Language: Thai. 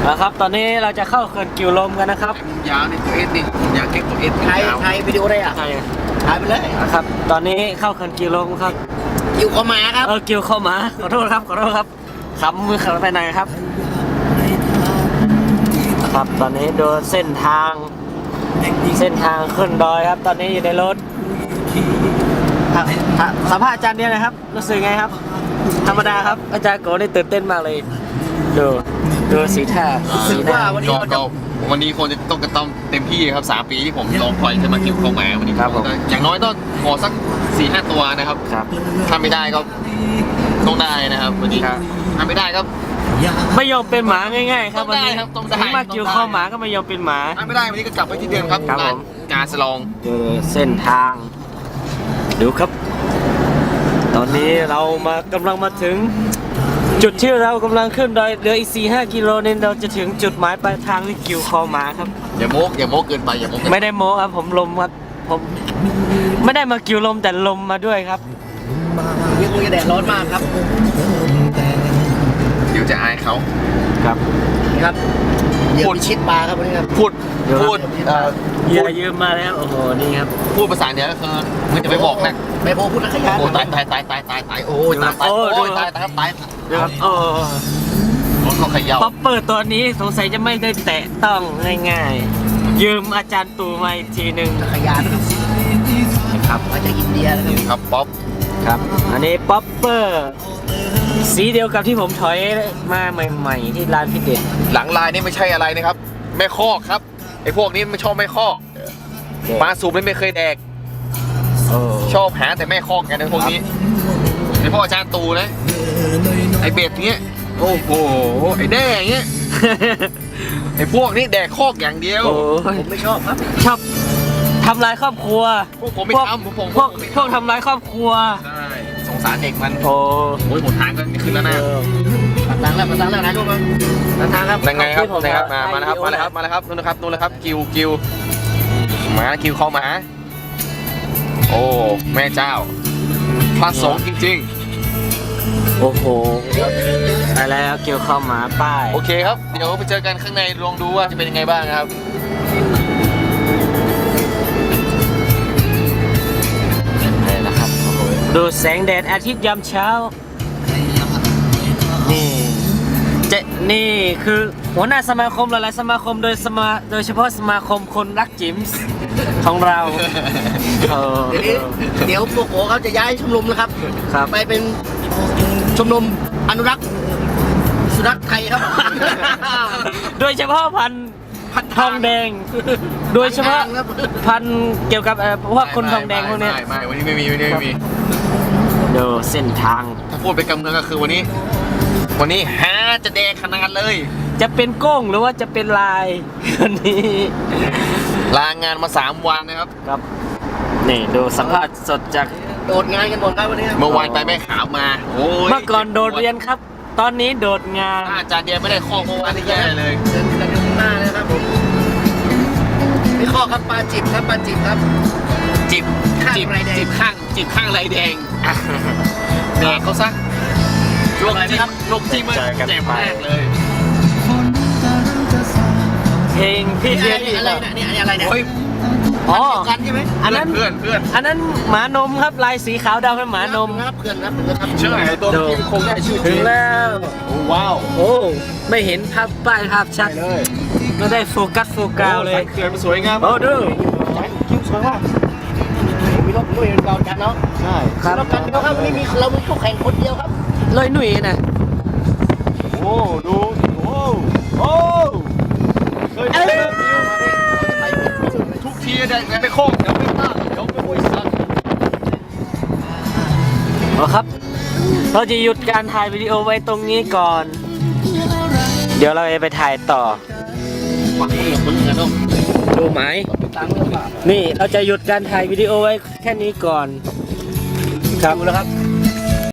นะครับตอนนี้เราจะเข้าเขื่อนกิวลมกันนะครับยาวในตัวเอสนี่ยาวเก่งตัวเอสไทยวิดีโอได้อ่ะใช่ถ่ายไปเลยนะครับตอนนี้เข้าเขื่อนกิวลมครับกิวเข้ามาครับกิวเข้ามาขอโทษครับขำมือขับไปไหนครับครับตอนนี้ดูเส้นทางขึ้นดอยครับตอนนี้อยู่ในรถสัมภาษณ์อาจารย์เนี่ยนะครับรู้สึกไงครับธรรมดาครับอาจารย์โกได้ตื่นเต้นมากเลยดูสีท่าว่าวันนี้คนจะต้องเต็มที่ครับ3 ปีที่ผมรอคอยจะมากิวเข้ามาวันนี้ครับอย่างน้อยต้องขอสัก 4-5 ตัวนะครับถ้าไม่ได้ก็ต้องได้นะครับวันนี้ถ้าไม่ได้ก็ไม่ยอมเป็นหมาง่ายๆครับวันนี้ต้องมากิวเข้าหมาก็ไม่ยอมเป็นหมาถ้าไม่ได้วันนี้ก็กลับไปที่เดิมครับการสลองเส้นทางดูครับตอนนี้เรากำลังมาถึงจุดที่เรากำลังขึ้นดอยเหลืออีก 4-5 กิโลนึงเราจะถึงจุดหมายปลายทางที่กิวคอหมาครับอย่าโม้เกินไปไม่ได้โม้ครับผมลมครับผมไม่ได้มากิวลมแต่ลมมาด้วยครับยังคงจะแดดร้อนมากครับเดี๋ยวจะอายเขาครับพูดชิดปลาครับวันนี้ครับพูดอย่ายืมมาแล้วโอ้โหนี่ครับพูดภาษาเหนือก็คือมันจะไปบอกนะไม่โม้พูดนักขยันโอ้ตายโอ้ยตายครับตายครับเขาขย่าป๊อปเปอร์ตัวนี้สงสัยจะไม่ได้แตะต้องง่ายๆยืมอาจารย์ตู่มาอีกทีหนึ่งขยันครับมาจากอินเดียนะครับป๊อปครับอันนี้ป๊อปเปอร์สีเดียวกับที่ผมถอยมาใหม่ๆที่ร้านพี่เด็ดหลังลายนี่ไม่ใช่อะไรนะครับแม่คอกครับไอ้พวกนี้ไม่ชอบแม่คอกปลาสูบไม่เคยแดกชอบหาแต่แม่คอกกันในพวกนี้ไอ้พ่ออาจารย์ตูนะไอ้เบ็ดเงี้ยโอ้โหไอ้แด้เงี้ยไอ้พวกนี้แดกคอกอย่างเดียวผมไม่ชอบครับชอบทำลายครอบครัวพวกผมไม่ทำพวกทำลายครอบครัวใช่สงสารเด็กมันโอ้ยหมดทางก็ขึ้นแล้วนะมาทางแล้วนะทุกคนทางครับยังไงครับมาแล้วครับนู่นนะครับกิวมากิวเข้ามาโอ้แม่เจ้าพระสงฆ์จริงๆโอ้โหไปแล้วกิวเข้ามาป้ายโอเคครับเดี๋ยวไปเจอกันข้างในลองดูว่าจะเป็นยังไงบ้างครับดูแสงแดดอาทิตย์ยามเช้านี่คือหัวหน้าสมาคมหลายๆสมาคมโดยเฉพาะสมาคมคนรักจิมส์ของเราเดี๋ยวพวกโอเขาจะย้ายชมรมนะครับไปเป็นชมรมอนุรักษ์สุนัขไทยครับโดยเฉพาะพันทองแดงโดยเฉพาะพันเกี่ยวกับพวกคนทองแดงพวกนี้ไม่วันนี้ไม่มีดูเส้นทางถ้าพูดไปกำเนิดก็คือวันนี้ฮาจะแดงขนาดเลยจะเป็นโก้งหรือว่าจะเป็นลายวันนี้ลางานมา3 วันนะครับนี่ดูสัมภาษณ์สดจากโดดงานกันหมดครับวันนี้เมื่อวานไปแม่ขาวมาเมื่อก่อนโดดเรียนครับตอนนี้โดดงานอาจารย์เดียไม่ได้ข้อเมื่อวานนี่แย่เลยเดินหน้าเลยครับผมไม่ข้อครับปลาจิบครับจิบข้างไรแดงแดกเขาซะลวกจิ้มมันเจ็บมากเลยเพลงพี่เรียนอะไรเนี่ยอะไรเนี่ยอ๋อกันใช่ไหมอันนั้นเพื่อนอันนั้นหมานมครับลายสีขาวดำเป็นหมานมครับเพื่อนครับเชื่อไอ้ตัวที่คงได้ชื่อถึงแล้วว้าวโอ้ไม่เห็นภาพป้ายภาพชัดเลยไม่ได้โฟกัสเลยเขื่อนมันสวยงามโอ้ดูคิ้วสวยมากมีรถด้วยเรากันเนาะใช่ครับเรากันครับวันนี้เรามีคู่แข่งคนเดียวครับลอยหนุ่ยนะโอ้ดูโอ้ทุกทีได้ไงไม่โค้งเดี๋ยวไม่ตั้งเดี๋ยวไม่คุยสั่นครับเราจะหยุดการถ่ายวิดีโอไว้ตรงนี้ก่อนเดี๋ยวเราจะไปถ่ายต่อดูไหมนี่เราจะหยุดการถ่ายวิดีโอไว้แค่นี้ก่อนครับแล้วครับ